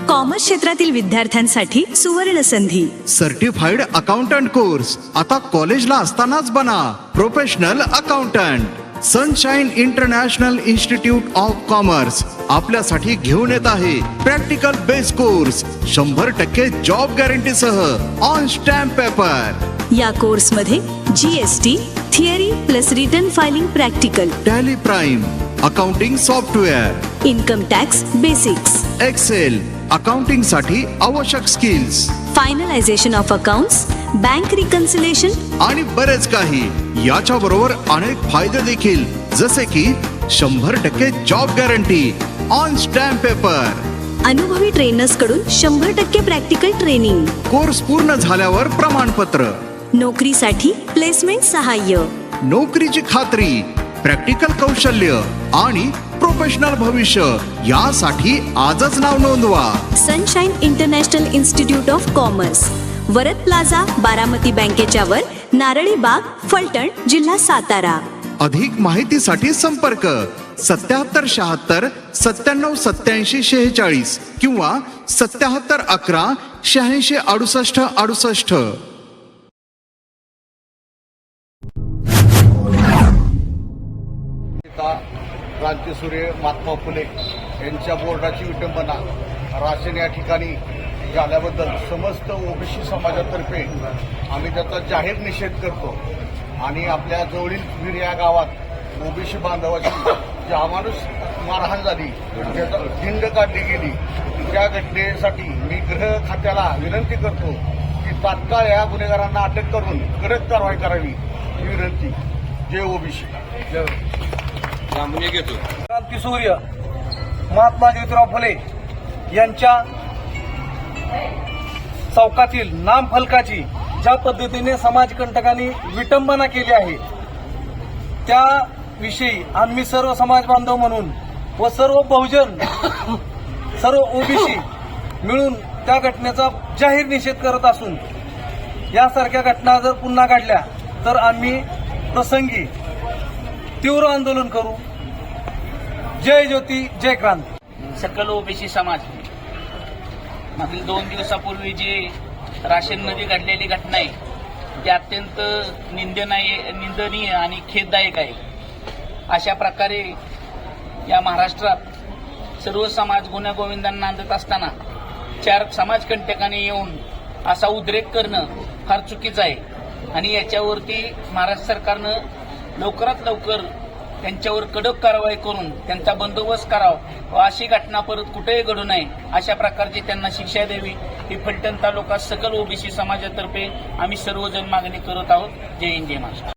Commerce क्षेत्रातील विद्यार्थ्यांसाठी सुवर्ण संधी। सर्टिफाईड अकाउंटंट कोर्स आता कॉलेजला असतानाच बना professional accountant. Sunshine International Institute of Commerce आपल्यासाठी घेऊन येत आहे practical base course 100% job guarantee सह ऑन स्टॅम्प पेपर। या कोर्स मध्ये GST theory plus return filing practical, Tally Prime, accounting software, income tax basics, Excel, accounting साठी आवश्यक skills, finalisation of accounts, bank reconciliation आणि बरेच काही। याच्या बरोबर अनेक फायदे देखील, जसे की 100% job guarantee on stamp paper, अनुभवी ट्रेनर्स कडून 100% प्रॅक्टिकल ट्रेनिंग, कोर्स पूर्ण झाल्यावर प्रमाणपत्र, नोकरीसाठी प्लेसमेंट सहाय्य, नोकरीची खात्री, प्रॅक्टिकल कौशल्य आणि प्रोफेशनल भविष्य यासाठी आजच नाव नोंदवा। Sunshine International Institute of Commerce, Varad plaza, Baramati बँकेच्या वर, नारळी बाग, फलटण, जिल्हा सातारा। अधिक माहितीसाठी संपर्क 7776 9787 46 किंवा 7711 86 68 68। क्रांतीसूर्य महात्मा फुले यांच्या बोर्डाची विटंबना राशन या ठिकाणी झाल्याबद्दल समस्त ओबीसी समाजातर्फे आम्ही त्याचा जाहीर निषेध करतो आणि आपल्या जवळील वीर या गावात ओबीसी बांधवाची जी अमानुष मारहाण झाली, त्याचा धिंड काढली गेली, त्या घटनेसाठी मी गृह खात्याला विनंती करतो की तात्काळ या गुन्हेगारांना अटक करून कडक कारवाई करावी ही विनंती। जय ओबीसी। क्रांतीसूर्य महात्मा ज्योतिराव फुले यांच्या चौकातील नामफलकाची ज्या पद्धतीने समाजकंटकांनी विटंबना केली आहे, त्याविषयी आम्ही सर्व समाज बांधव म्हणून व सर्व बहुजन, सर्व ओबीसी मिळून त्या घटनेचा जाहीर निषेध करत असून यासारख्या घटना जर पुन्हा घडल्या तर आम्ही प्रसंगी तीव्र आंदोलन करू। जय ज्योती जय क्रांती। सकल ओबीसी समाज मागील 2 दिवसापूर्वी जी राशीनमध्ये घडलेली घटना आहे ती अत्यंत निंदनीय आणि खेददायक आहे। अशा प्रकारे या महाराष्ट्रात सर्व समाज गुण्यागोविंदांना नांदत असताना 4 समाजकंटकांनी येऊन असा उद्रेक करणं फार चुकीचं आहे आणि याच्यावरती महाराष्ट्र सरकारनं लवकरात लवकर त्यांच्यावर कडक कारवाई करून त्यांचा बंदोबस्त करावा व अशी घटना परत कुठेही घडू नये अशा प्रकारची त्यांना शिक्षा द्यावी ही फलटण तालुका सकल ओबीसी समाजातर्फे आम्ही सर्वजण मागणी करत आहोत। जय हिंद, जय महाराष्ट्र।